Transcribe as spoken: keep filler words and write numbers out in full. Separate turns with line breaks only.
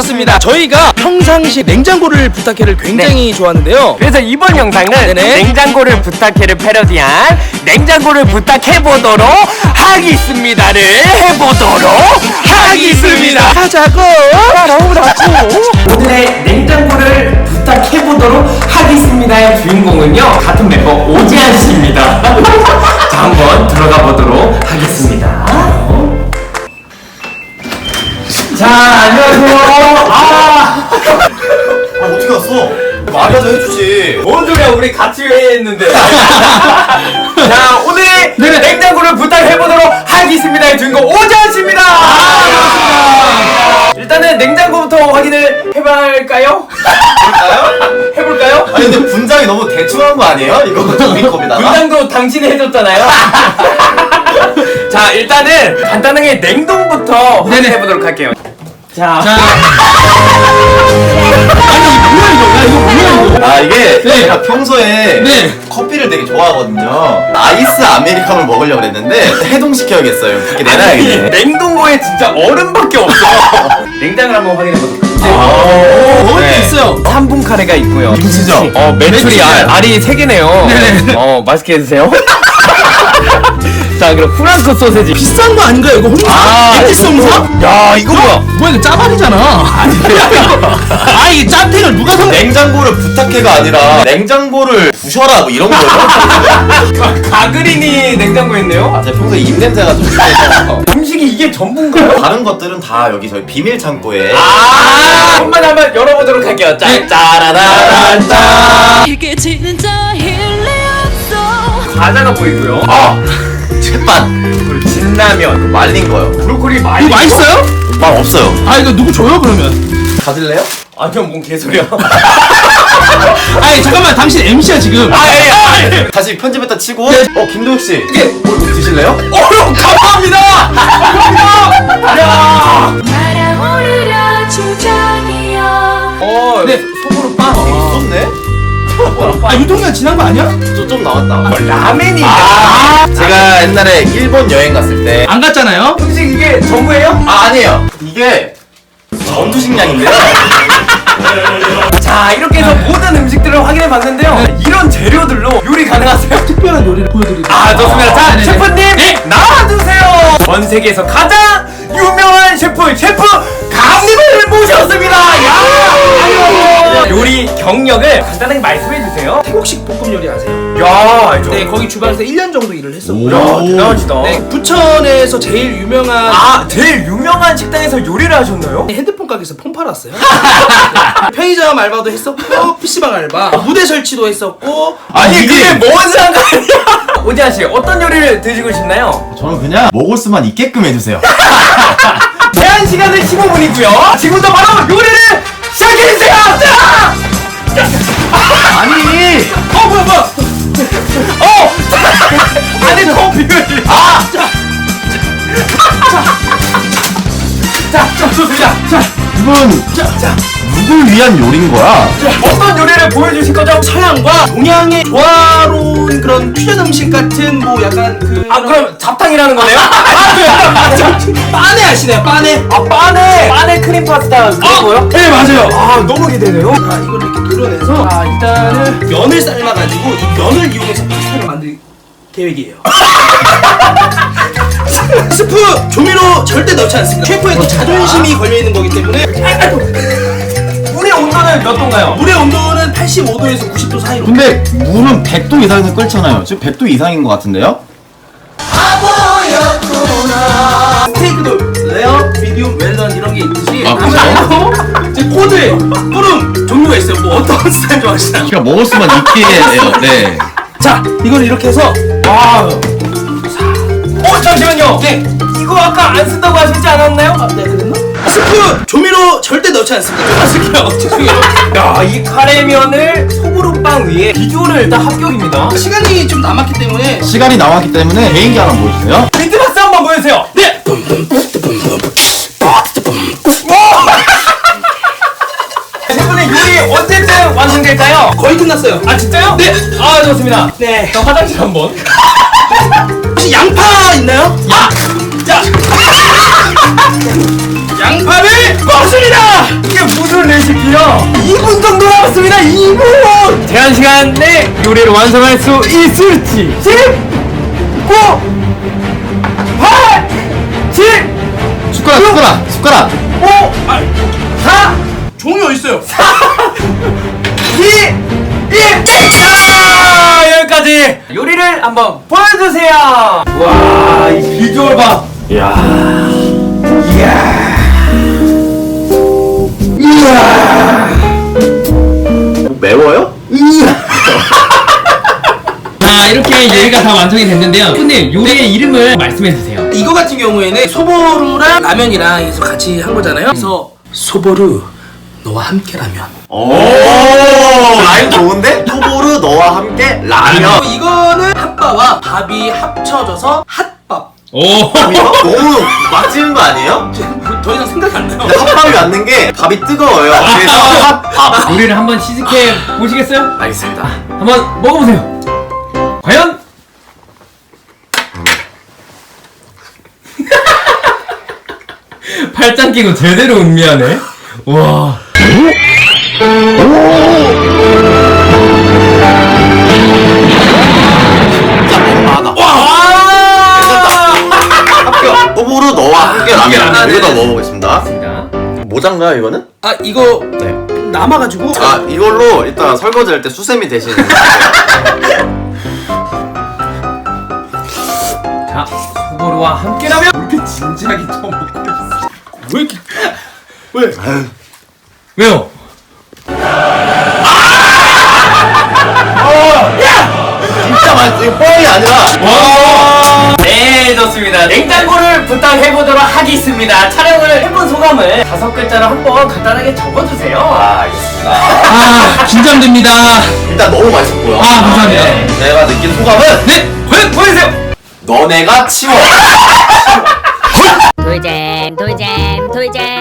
그렇습니다. 저희가 평상시 냉장고를 부탁해를 굉장히
네.
좋아하는데요.
그래서 이번 영상은
네네.
냉장고를 부탁해를 패러디한 냉장고를 부탁해보도록 하겠습니다를 해보도록 하겠습니다.
하자고.
오늘의 냉장고를 부탁해보도록 하겠습니다의 주인공은요, 같은 멤버 오지한 씨입니다. 자, 한번 들어가 보도록 하겠습니다. 자, 안녕하세요. 아,
아 어떻게 왔어? 말이라도 해주지.
뭔 소리야, 우리 같이 회의했는데. 자, 오늘
네네.
냉장고를 부탁해보도록 하겠습니다의 주인공 오지한 씨입니다. 아, 일단은 냉장고부터 확인을 해볼까요?
볼까요?
해볼까요?
아니 근데 분장이 너무 대충한 거 아니에요? 이거 우리 겁니다.
분장도 당신이 해줬잖아요. 자, 일단은 간단하게 냉동부터
네네.
해보도록 할게요. 자,
자. 아니 뭐야 이거? 야 이거 뭐야 이거?
아 이게
네.
제가 평소에
네.
커피를 되게 좋아하거든요. 아이스 아메리카노를 먹으려고 그랬는데 해동시켜야겠어요. 그렇게
아니,
내놔야겠네.
냉동고에 진짜 얼음밖에 없어. 냉장을 한번 확인해보도록 할게요.
오, 먹을 게
네.
있어요.
삼 분 카레가 있고요.
김치죠?
어, 메추리
메추리알.
알, 알이 세 개네요.
네네.
어, 맛있게 해주세요. 자, 그럼 프랑크 소세지.
비싼 거 아닌가요 이거? 혼자?
아,
엑기스홈사?
야, 이거 뭐야?
뭐야 이거 짜발이잖아. 아 이게 짠탱을 누가 사?
냉장고를 부탁해가 아니라 냉장고를 부셔라 뭐 이런 거예요?
가그린이 냉장고에 있네요.
아 제가 평소에 입냄새가 좀 심해서
음식이 이게 전부인가요?
다른 것들은 다 여기 저희 비밀 창고에
아, 한번 한번 열어보도록 할게요. 짜,
네.
짜라란, 짜.
이게 진짜 일리 없어.
과자가 보이고요.
아 채반
그리고 진라면,
말린 거요.
브로콜리 많이.
이거 맛있어요?
맛 없어요.
아 이거 누구 줘요 그러면?
가질래요?
아니요, 뭔 개소리야.
아니 잠깐만 당신 엠씨야 지금.
아, 예, 아, 예.
다시 편집했다 치고
네.
어 김도혁 씨 이게 뭐 드실래요?
어휴, 감사합니다. 감사합니다. 야.
날아오르려 주장이여.
어,
네.
소보로 빵.
좋네.
아 유통기한 지난 거 아니야?
좀, 좀 나왔다.
어, 라멘이.
아, 제가 옛날에 일본 여행 갔을 때
안 갔잖아요.
음식 이게 전부예요?
아, 아니에요. 이게 전투식량인데요.
자, 이렇게 해서 모든 음식들을 확인해 봤는데요. 이런 재료들로 요리 가능하세요?
특별한 요리를 보여드리고.
아, 좋습니다. 자,
네네네.
셰프님
네.
나와주세요. 전 세계에서 가장 유명한 셰프 셰프 감님을 모셨습니다. 야, 요리 경력을 간단하게 말씀해 주세요.
태국식 볶음 요리 아세요?
야, 알죠.
네 거기 주방에서 일 년 정도 일을 했었고요.
야, 대단하시다.
네 부천에서 제일 유명한
아, 제일 유명한 식당에서 요리를 하셨나요?
핸드폰 가게에서 폰 팔았어요. 편의점 알바도 했었고 피시방 알바, 무대 설치도 했었고.
아니,
이게-
그게 뭔 상관이야? 오지한 씨, 어떤 요리를 드시고 싶나요?
저는 그냥 먹을 수만 있게끔 해주세요.
제한 시간은 십오 분이고요. 지금부터 바로 요리를 시작해주세요. 자!
아니
어, 뭐야, 뭐야. 어! 안에 커피를. 아! 자! 자, 자, 좋습니다. 자,
이건
자,
누굴 위한 요리인 거야?
어떤 요리를 보여주실 거죠?
서양과 동양의 조화로운 그런 퓨전 음식 같은 뭐 약간 그
아, 그럼 잡탕이라는 거네요? 아,
빠네 아시나요? 빠네.
아, 빠네! 빠네 크림 파스타 그거요?
네 맞아요.
아, 너무 기대돼요.
자 이걸 이렇게 도려내서 자 일단은 면을 삶아가지고 이 면을 이용해서 파스타를 만들 계획이에요. 스프 조미료 절대 넣지 않습니다. 셰프의 또 자존심이 걸려 있는 거기 때문에
물의 온도는 몇 도인가요?
물의 온도는 팔십오 도에서 구십 도 사이로.
근데 물은 백 도 이상에서 끓잖아요. 지금 백 도 이상인 것 같은데요?
스테이크도 레어, 미디움, 웰던 이런 게 있듯이
아, 그래요?
아무래도 이제 코드에 뿌름 종류가 있어요. 뭐 어떤 스타일 좋아하시나요?
그러니까 먹을 수만 있게 해요. 네.
자 이걸 이렇게 해서
와. 어, 잠시만요. 네. 이거 아까 안 쓴다고 하시지 않았나요?
아, 네 그랬나? 스프 조미료 절대 넣지 않습니다. 좀 하실게요. 죄송해요.
야, 이 카레면을 소보루빵 위에 비주얼은 일단 합격입니다.
시간이 좀 남았기 때문에
시간이 남았기 때문에 개인기 하나 보여주세요.
비트박스 한번 보여주세요.
네.
셰프님, 요리 언제쯤 완성될까요?
거의 끝났어요.
아, 진짜요?
네.
아, 좋습니다.
네.
저 화장실 한번.
혹시 양파 있나요?
야! 야!
양파를 먹습니다.
이게 쉬운 레시피요. 이 분 정도 남았습니다. 이 분. 제한 시간 내 요리를 완성할 수 있을지. 십, 구, 팔, 칠,
숟가락 숟가락 숟가락.
오, 사,
종이 어딨어요?
이, 일. 자, 여기까지 요리를 한번 보여주세요. 와, 이 비주얼 봐. 이야, 이야, 이야.
뭐 매워요?
자, 이렇게 요리가 다 완성이 됐는데요. 근데 요리의 이름을 말씀해주세요.
이거 같은 경우에는 소보루랑 라면이랑 해서 같이 한 거잖아요. 그래서 소보루 너와 함께 라면.
오 라임 좋은데? 소보루 너와 함께 라면.
이거는 핫바와 밥이 합쳐져서 핫밥.
오.
이거 너무 막 지은 거 아니에요?
더 이상 생각이 안 나요.
근데 핫밥이 맞는 게 밥이 뜨거워요. 그래서 핫밥.
요리를 한번 시식해 보시겠어요?
알겠습니다.
한번 먹어보세요. 과연? 팔짱 끼고 제대로 음미하네. 와.
진짜 많아.
와.
합격. 소보루 너와 함께 라면.
라면.
이거 다 먹어보겠습니다.
맞습니다.
모장가요 이거는?
아 이거
네.
남아가지고.
아 이걸로 일단 설거지 할 때 수세미 대신.
자, 소보루와 함께라면
이렇게 진지하게 처음 먹고 있어. 왜 이렇게? 왜?
왜요?
진짜 맛있어. 이거 뻥이 아니라.
와. 네, 좋습니다. 냉장고를 부탁해보도록 하겠습니다. 촬영을 해본 소감을 다섯 글자로 한번 간단하게 적어주세요.
아 알겠습니다.
아, 긴장됩니다.
일단 너무 맛있었고요.
아, 감사합니다.
네, 제가 느낀 소감은
네, 과연 보여주세요.
너네가 치워.
돌잼 돌잼 돌잼